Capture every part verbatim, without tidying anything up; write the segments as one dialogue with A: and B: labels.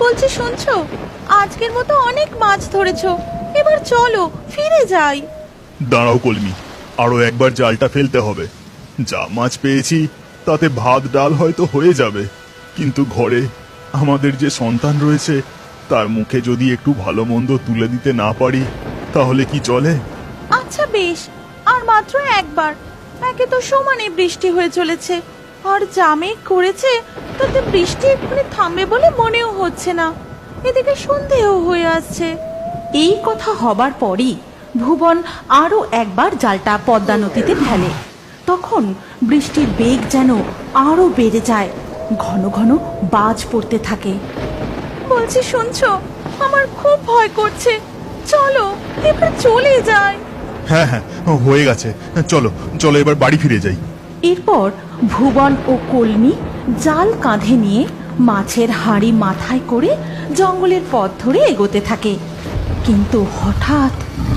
A: বলছি শুনছো, আজকের মতো অনেক মাছ ধরেছো, এবার চলো ফিরে যাই।
B: দাঁড়াও কলমি, আরো একবার জালটা ফেলতে হবে। যা মাছ পেয়েছি তাতে ভাত ডাল হয়তো হয়ে যাবে, কিন্তু ঘরে আমাদের যে সন্তান রয়েছে তার মুখে যদি একটু ভালো মন্দ তুলে দিতে না পারি তাহলে কি চলে?
A: আচ্ছা বেশ, আর মাত্র একবার। একে তো সমানে বৃষ্টি হয়ে চলেছে, আর যা মেঘ করেছে তাতে বৃষ্টি এক্ষুনি থামবে বলে মনেও হচ্ছে না। এদিকে সন্ধেও হয়ে আসছে।
C: এই কথা হবার পরই ভুবন আরো একবার জালটা পদ্মা নদীতে ফেলে। তখন বৃষ্টির বেগ যেন আরো বেড়ে যায়, ঘন ঘন বাজ পড়তে থাকে।
A: বলছি শুনছো, আমার খুব ভয় করছে, চলো এবার চলে যাই।
B: হ্যাঁ হ্যাঁ, হয়ে গেছে, চলো চলো এবার বাড়ি ফিরে যাই।
C: এরপর ভুবন ও কলমি জাল কাঁধে নিয়ে মাছের হাঁড়ি মাথায় করে জঙ্গলের পথ ধরে এগোতে থাকে। কিন্তু হঠাৎ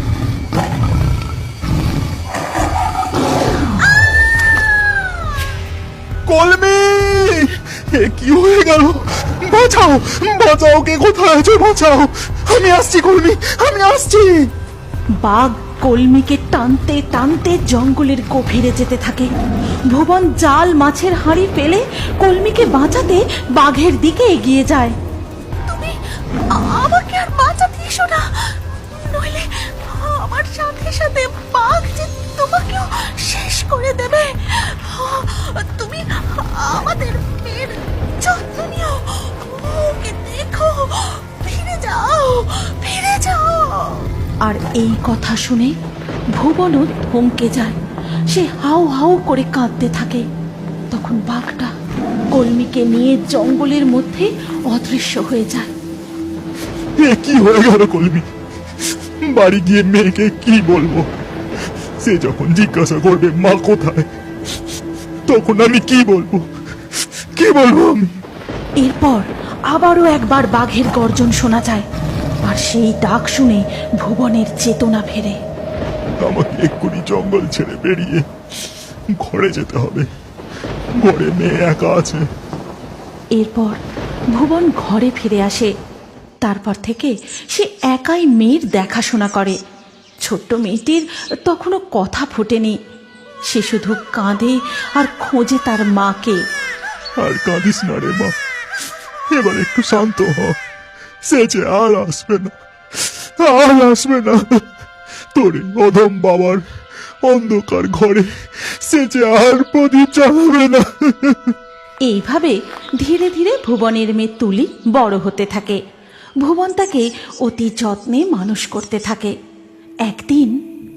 B: কলমি, এ কি হয়ে গেল? বাঁচাও বাঁচাও, কে কোথায় আছো? বাঁচাও, আমি আসছি কলমি, আমি আসছি।
C: বাঘ কলমিকে টানতে টানতে জঙ্গলের গভীরে যেতে থাকে। ভুবন জাল মাছের হাঁড়ি ফেলে কলমিকে বাঁচাতে বাঘের দিকে এগিয়ে যায়।
A: তুমি আমাকে আর বাঁচাতে এসো না, নইলে আমার সাথে সাথে বাঘ যে তোমাকেও শেষ করে দেবে। তুমি আমাদের মেয়ের যত্ন নিও, ওকে দেখো, ফিরে যাও ফিরে যাও।
C: আর এই কথা শুনে ভুবনও থমকে যায়। সে হাউ হাউ করে কাঁদতে থাকে। তখন বাঘটা কলমিকে নিয়ে জঙ্গলের মধ্যে অদৃশ্য হয়ে যায়।
B: এ কি হয়ে গেল কলমি? বাড়ি গিয়ে মেয়েকে কি বলবো? সে যখন জিজ্ঞাসা করবে মা কোথায়, তখন আমি কি বলবো? কি বলবো আমি?
C: এরপর আবারও একবার বাঘের গর্জন শোনা যায়, আর সেই ডাক শুনে ভুবনের চেতনা ফেরে।
B: আমাকে এক্ষুনি জঙ্গল ছেড়ে বেরিয়ে ঘরে যেতে হবে, ঘরে মেয়ে একা আছে।
C: এরপর ভুবন ঘরে ফিরে আসে। তারপর থেকে সে একাই মেয়ের দেখাশোনা করে। ছোট্ট মেয়েটির তখনও কথা ফোটেনি। সে শুধু কাঁদে আর খোঁজে তার মাকে।
B: আর কাঁদিস না রে মা, এবার একটু শান্ত হ। সে যে আর আসবে না, আর আসবে না। তোর এই অধম বাবার অন্ধকার ঘরে সে যে আর প্রদীপ জ্বালাবে না।
C: এইভাবে ধীরে ধীরে ভুবনের মেয়ে তুলি বড় হতে থাকে। ভুবন তাকে অতি যত্নে মানুষ করতে থাকে। একদিন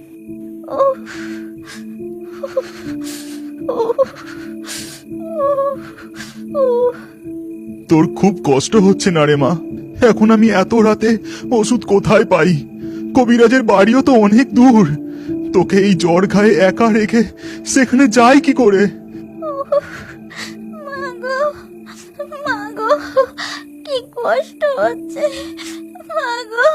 B: তোর খুব কষ্ট হচ্ছে না রে মা? এখন আমি এত রাতে ওষুধ কোথায় পাই? কবিরাজের বাড়িও তো অনেক দূর। তোকে এই জ্বর ঘায়ে একা রেখে সেখানে যাই কি করে?
A: মাগো মাগো, কি কষ্ট হচ্ছে মাগো।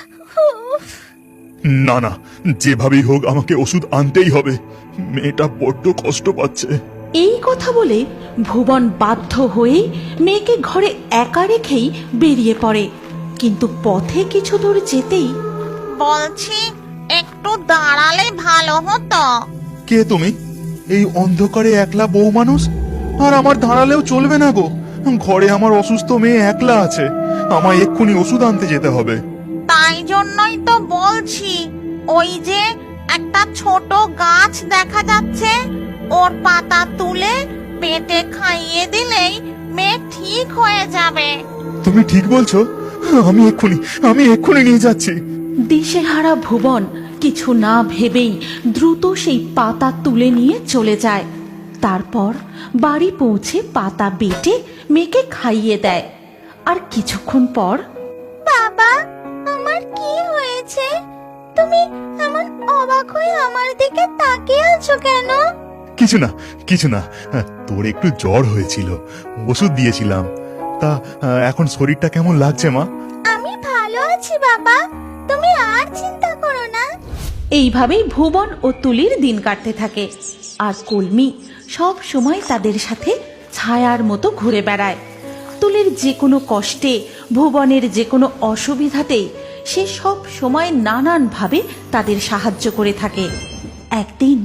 B: না না, যেভাবেই হোক আমাকে ওষুধ আনতেই হবে। মেয়েটা বড্ড কষ্ট পাচ্ছে।
C: এই কথা বলে ভুবন বাধ্য হয়ে মেয়েকে ঘরে একা রেখেই বেরিয়ে পড়ে। কিন্তু পথে কিছু দূর যেতেই
D: বলছি একটু দাঁড়ালে ভালো হতো।
B: কে তুমি? এই অন্ধকারে একলা বউ মানুষ? আর আমার দাঁড়ালেও চলবে না গো, ঘরে আমার অসুস্থ মেয়ে একলা আছে। আমায় এক্ষুনি ওষুধ আনতে যেতে হবে।
D: তাই জন্যই তো বলছি, ওই যে একটা ছোট গাছ দেখা যাচ্ছে, ওর পাতা তুলে পেটে খাইয়ে দিলেই মেয়ে ঠিক হয়ে যাবে।
B: তুমি ঠিক বলছো? আমি এক্ষুনি আমি এক্ষুনি নিয়ে যাচ্ছি।
C: দিশেহারা ভুবন কিছু না ভেবেই দ্রুত সেই পাতা তুলে নিয়ে চলে যায়। তারপর বাড়ি পৌঁছে পাতা বেটে মেয়েকে খাইয়ে দেয়। আর কিছুক্ষণ পর,
A: বাবা, আমার কি হয়েছে? তুমি এমন অবাক হয়ে আমার দিকে তাকিয়ে আছো কেন?
B: কিছু না কিছু না, তোর একটু জ্বর হয়েছিল, ওষুধ দিয়েছিলাম। তা এখন শরীরটা কেমন লাগছে মা?
A: আমি ভালো আছি বাবা, তুমি আর চিন্তা করো না।
C: এইভাবেই ভুবন ও তুলির দিন কাটতে থাকে। আর কলমি সব সময় তাদের সাথে ছায়ার মতো ঘুরে বেড়ায়। তুলির যে কোনো কষ্টে, ভুবনের যে কোনো অসুবিধাতেই সে সব সময় নানানভাবে তাদের সাহায্য করে থাকে। একদিন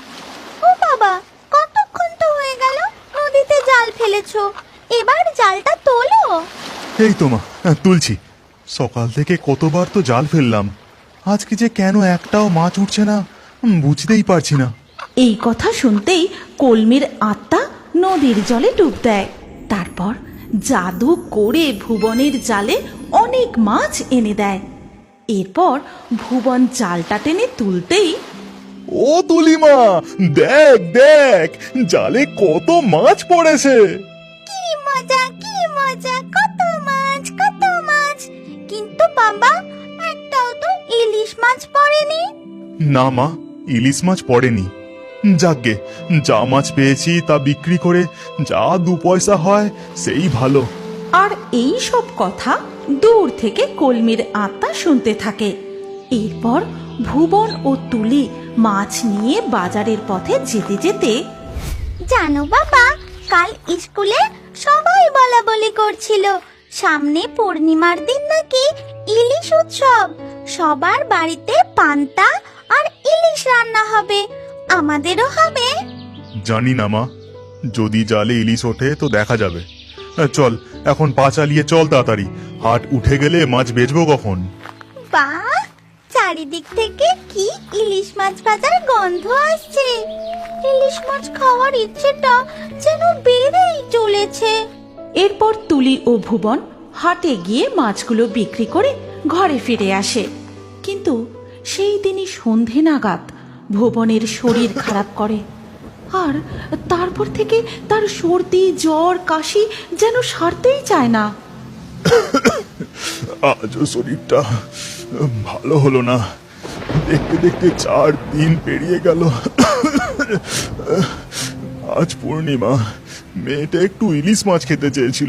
D: ও বাবা, কতক্ষণ তো হয়ে গেল নদীতে জাল ফেলেছো, এবার জালটা তোলো।
B: এই তো মা, তুলছি। সকাল থেকে কতবার তো জাল ফেললাম, আজকে যে কেন একটাও মাছ উঠছে না বুঝতেই পারছি না।
C: এই কথা শুনতেই কলমির আত্মা নদীর জলে ডুব দেয়। তারপর জাদু করে ভুবনের জালে অনেক মাছ এনে দেয়। এরপর ভুবন জালটা টেনে তুলতেই
B: ও তুলিমা, দেখ দেখ জালে কত মাছ পড়েছে।
D: কি মজা, কি মজা, কত মাছ, কত মাছ। কিন্তু বাবা, একটাও তো ইলিশ মাছ পড়েনি।
B: না মা, ইলিশ মাছ পড়েনি। যাকগে, যা মাছ পেয়েছি তা বিক্রি করে যা দু পয়সা হয় সেই ভালো।
C: আর এই সব কথা দূর থেকে কলমির আত্মা শুনতে থাকে। এরপর ভুবন ও তুলি মাছ নিয়ে বাজারের পথে যেতে যেতে
D: জানো বাবা, কাল স্কুলে সবাই বলা বলি করছিল সামনে পূর্ণিমার দিন নাকি ইলিশ উৎসব, সবার বাড়িতে পান্তা আর ইলিশ রান্না হবে, আমাদেরও হবে।
B: জানি না মা, যদি জালে ইলিশ ওঠে তো দেখা যাবে। চল এখন পা চালিয়ে চল তাড়াতাড়ি, হাট উঠে গেলে মাছ বেচবো কখন।
D: বাহ, চারিদিক থেকে কি ইলিশ মাছ ভাজার গন্ধ আসছে। ইলিশ মাছ খাওয়ার ইচ্ছেটা যেন বেড়েই চলেছে।
C: এরপর তুলি ও ভুবন হাটে গিয়ে মাছগুলো বিক্রি করে ঘরে ফিরে আসে। কিন্তু সেই দিনই সন্ধে নাগাদ ভুবনের শরীর খারাপ করে, আর তারপর থেকে তার সর্দি, জ্বর, কাশি যেন সারতেই চায় না।
B: আজও শরীরটা ভালো হলো না, দেখতে দেখতে চার দিন পেরিয়ে গেল। আজ পূর্ণিমা, মেয়েটা একটু ইলিশ মাছ খেতে চেয়েছিল।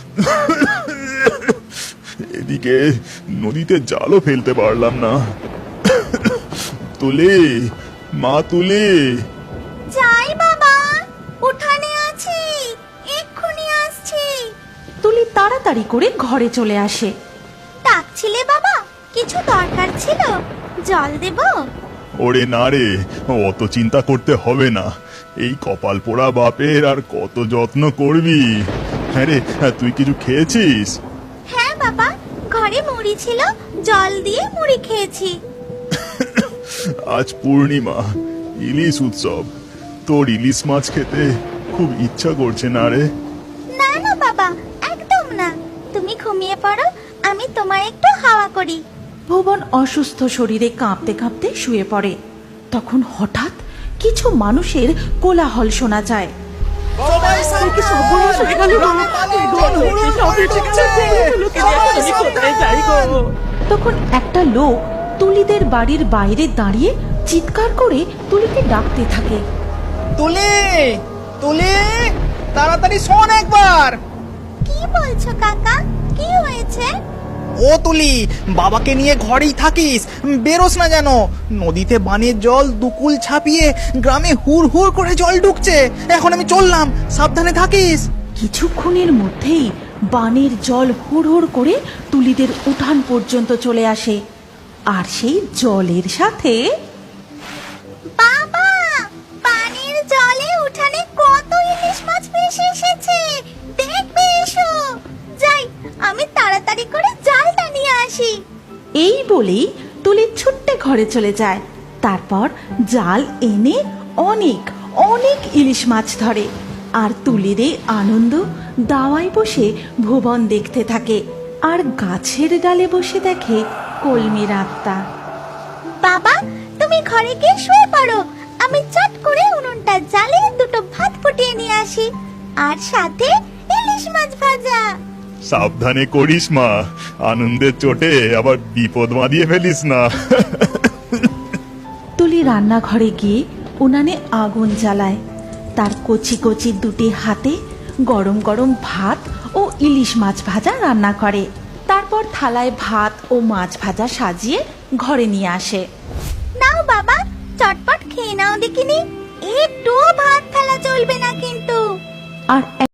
B: এদিকে নদীতে জালও ফেলতে পারলাম না। তুলে, মা তুলে।
D: যাই বাবা, উঠানে আছি, এক্ষুনি আসছি।
C: তুলি তাড়াতাড়ি করে ঘরে চলে আসে।
D: ডাকছিলে বাবা, কিছু দরকার ছিল, জল দেব?
B: ওরে না রে, অত চিন্তা করতে হবে না। এই কপাল পোড়া বাপের আর কত যত্ন করবি। হ্যাঁ রে, তুই কিছু খেয়েছিস?
D: হ্যাঁ বাবা, ঘরে মুড়ি ছিল, জল দিয়ে মুড়ি খেয়েছি।
B: আজ পূর্ণিমা, ইলিশ উৎসব, তোর ইলিশ মাছ খেতে খুব ইচ্ছা করছে না রে?
D: না না বাবা, একদম না। তুমি ঘুমিয়ে পড়ো, আমি তোমার একটু হাওয়া করি।
C: ভুবন অসুস্থ শরীরে কাঁপতে কাঁপতে শুয়ে পড়ে। তখন হঠাৎ কিছু মানুষের কোলাহল শোনা যায়। তখন একটা লোক তুলিদের বাড়ির বাইরে দাঁড়িয়ে চিৎকার করে তুলিকে ডাকতে থাকে।
E: তুলি, তুলি, তাড়াতাড়ি শোন একবার।
D: কি বলছো কাকা, কি হয়েছে?
E: ও তুলি, বাবাকে নিয়ে ঘরেই থাকিস, বেরোস না যেন। নদীতে বানের জল দুকুল ছাপিয়ে গ্রামে হুড় হুড় করে জল ঢুকছে। এখন আমি চললাম, সাবধানে থাকিস।
C: কিছুক্ষণের মধ্যেই বানের জল হুড় করে তুলিদের উঠান পর্যন্ত চলে আসে, আর সেই জলের সাথে
D: বাবা, পানির জলে উঠানে কত ইলিশ মাছ ভেসে এসেছে, দেখবে এসো। যাই, আমি তাড়াতাড়ি করে জালটা নিয়ে আসি।
C: এই বলেই তুলি ছুট্টে ঘরে চলে যায়। তারপর জাল এনে অনেক অনেক ইলিশ মাছ ধরে, আর তুলির এই আনন্দ দাওয়ায় বসে ভুবন দেখতে থাকে, আর গাছের ডালে বসে দেখে কলমির আত্মা।
D: বাবা, তুমি ঘরে গিয়ে শুয়ে পড়ো, আমি চট করে উনুনটা জ্বালিয়ে দুটো ভাত ফুটিয়ে নিয়ে আসি, আর সাথে ইলিশ মাছ ভাজা।
B: সাবধানে করিস মা, আনন্দের চোটে আবার বিপদ বাঁধিয়ে ফেলিস না।
C: তুলি রান্নাঘরে গিয়ে উনানে আগুন জ্বালায়। তার কচি কচি দুটি হাতে গরম গরম ভাত ও ইলিশ মাছ ভাজা রান্না করে। তারপর থালায় ভাত ও মাছ ভাজা সাজিয়ে ঘরে নিয়ে আসে।
D: নাও বাবা, চটপট খেয়ে নাও দেখিনি, একটুও ভাত ফেলা চলবে না কিন্তু।
C: আর